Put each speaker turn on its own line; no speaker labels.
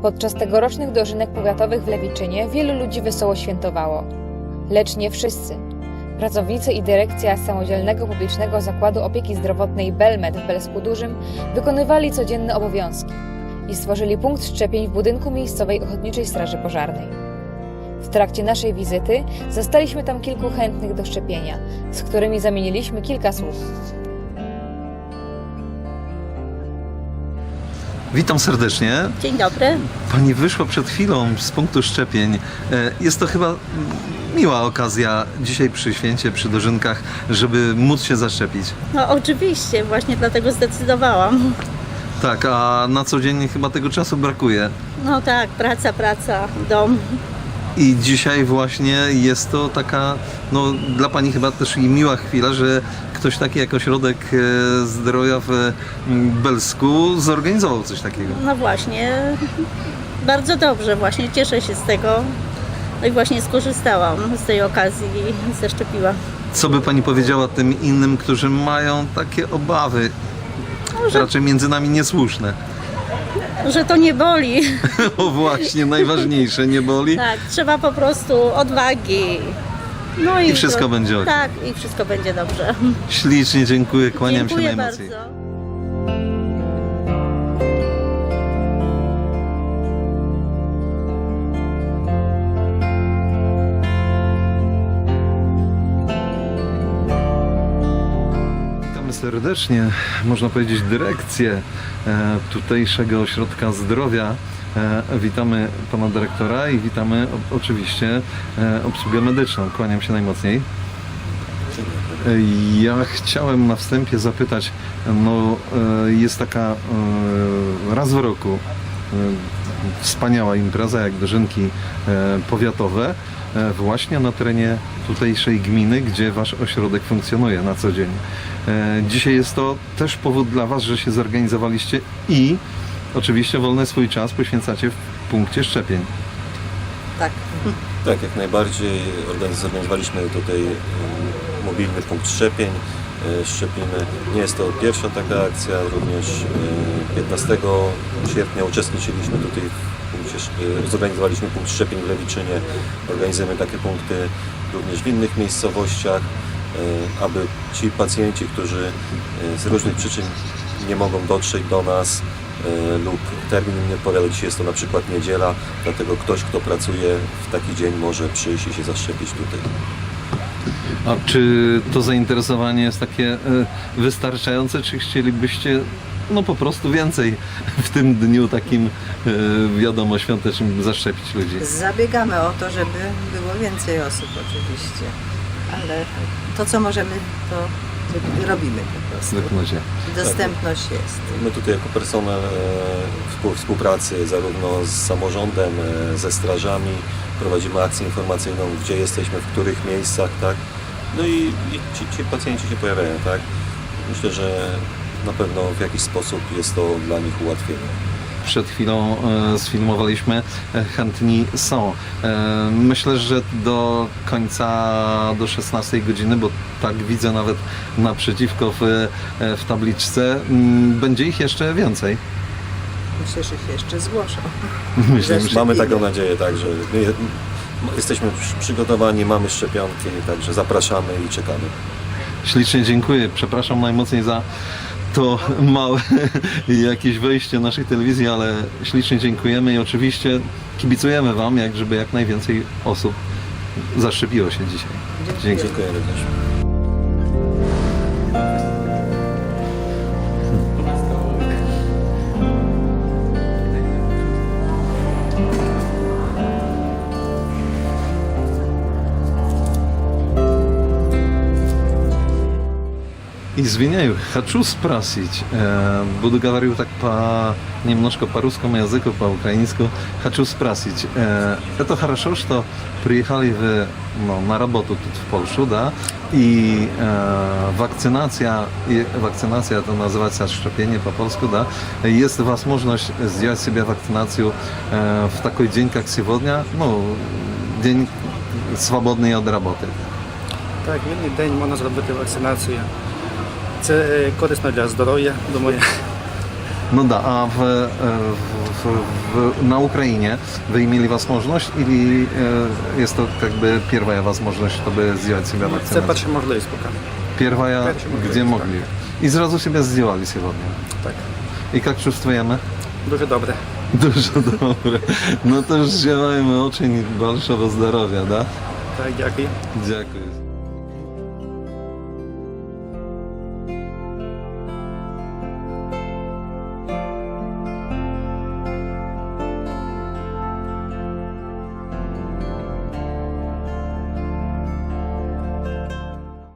Podczas tegorocznych dożynek powiatowych w Lewiczynie wielu ludzi wesoło świętowało. Lecz nie wszyscy. Pracownicy i dyrekcja Samodzielnego Publicznego Zakładu Opieki Zdrowotnej Belmed w Belsku Dużym wykonywali codzienne obowiązki i stworzyli punkt szczepień w budynku miejscowej Ochotniczej Straży Pożarnej. W trakcie naszej wizyty zastaliśmy tam kilku chętnych do szczepienia, z którymi zamieniliśmy kilka słów.
Witam serdecznie.
Dzień dobry.
Pani wyszła przed chwilą z punktu szczepień. Jest to chyba miła okazja dzisiaj przy święcie, przy dożynkach, żeby móc się zaszczepić.
No oczywiście, właśnie dlatego zdecydowałam.
Tak, a na co dzień chyba tego czasu brakuje.
No tak, praca, dom.
I dzisiaj właśnie jest to taka, no dla Pani chyba też i miła chwila, że ktoś taki jak Ośrodek Zdrowia w Belsku zorganizował coś takiego.
No właśnie, bardzo dobrze, właśnie cieszę się z tego. No i właśnie skorzystałam z tej okazji i zaszczepiłam.
Co by Pani powiedziała tym innym, którzy mają takie obawy, raczej między nami niesłuszne?
Że to nie boli.
O właśnie, najważniejsze, nie boli?
Tak, trzeba po prostu odwagi. No
I wszystko będzie ok.
Tak, i wszystko będzie dobrze.
Ślicznie dziękuję, kłaniam się
Dziękuję
najmocniej.
bardzo.
Witamy serdecznie, można powiedzieć dyrekcję tutejszego ośrodka zdrowia. Witamy pana dyrektora i witamy oczywiście obsługę medyczną. Kłaniam się najmocniej. Ja chciałem na wstępie zapytać, no jest taka raz w roku wspaniała impreza jak dożynki powiatowe właśnie na terenie tutejszej gminy, gdzie wasz ośrodek funkcjonuje na co dzień. Dzisiaj jest to też powód dla was, że się zorganizowaliście i oczywiście wolny swój czas poświęcacie w punkcie szczepień.
Tak.
Tak, jak najbardziej. Zorganizowaliśmy tutaj mobilny punkt szczepień. Szczepimy. Nie jest to pierwsza taka akcja, również 15 sierpnia uczestniczyliśmy tutaj zorganizowaliśmy punkt szczepień w Lewiczynie. Organizujemy takie punkty również w innych miejscowościach, aby ci pacjenci, którzy z różnych przyczyn nie mogą dotrzeć do nas lub termin im nie odpowiada, dzisiaj jest to na przykład niedziela, dlatego ktoś, kto pracuje w taki dzień, może przyjść i się zaszczepić tutaj.
A czy to zainteresowanie jest takie wystarczające, czy chcielibyście no po prostu więcej w tym dniu takim wiadomo świątecznym zaszczepić ludzi?
Zabiegamy o to, żeby było więcej osób oczywiście, ale to co możemy, to robimy po prostu.
Zwykle.
Dostępność jest.
My tutaj jako personel współpracy zarówno z samorządem, ze strażami prowadzimy akcję informacyjną, gdzie jesteśmy, w których miejscach, tak? No i ci pacjenci się pojawiają, tak? Myślę, że na pewno w jakiś sposób jest to dla nich ułatwienie.
Przed chwilą sfilmowaliśmy, chętni są. Myślę, że do końca, do 16 godziny, bo tak widzę nawet naprzeciwko w tabliczce, będzie ich jeszcze więcej.
Myślę, że się jeszcze zgłoszą.
Myślę, że
Mamy taką nadzieję, tak, że jesteśmy przygotowani, mamy szczepionki, także zapraszamy i czekamy.
ślicznie dziękuję. Przepraszam najmocniej za to małe jakieś wejście naszej telewizji, ale ślicznie dziękujemy i oczywiście kibicujemy wam, żeby jak najwięcej osób zaszczepiło się dzisiaj. Dzięki.
Dziękuję również.
Извиняю, хочу спросить, буду говорить так немножко по русскому языку, по украинскому. Хочу спросить, это хорошо, что приехали вы на работу тут в Польшу, да? И вакцинация это называется szczepienie по польsku, да? Есть возможность сделать себе вакцинацию в такой день, как сегодня, день свободный от работы.
Так, вільний день можна зробити вакцинацію. Це корисно для здоров'я, думаю.
No да, а на Украине вы имели возможность или есть то как бы первая возможность, чтобы сделать себя
Це
вакцинацию?
перша можливість поки.
Первая,
Перша можливість,
где
так.
могли. И сразу себя сделали сегодня.
Так.
И как чувствуем?
Дуже добре.
Дуже добре. Ну то ж желаем очень большого здоровья, да?
Так, дякую.
Дякую.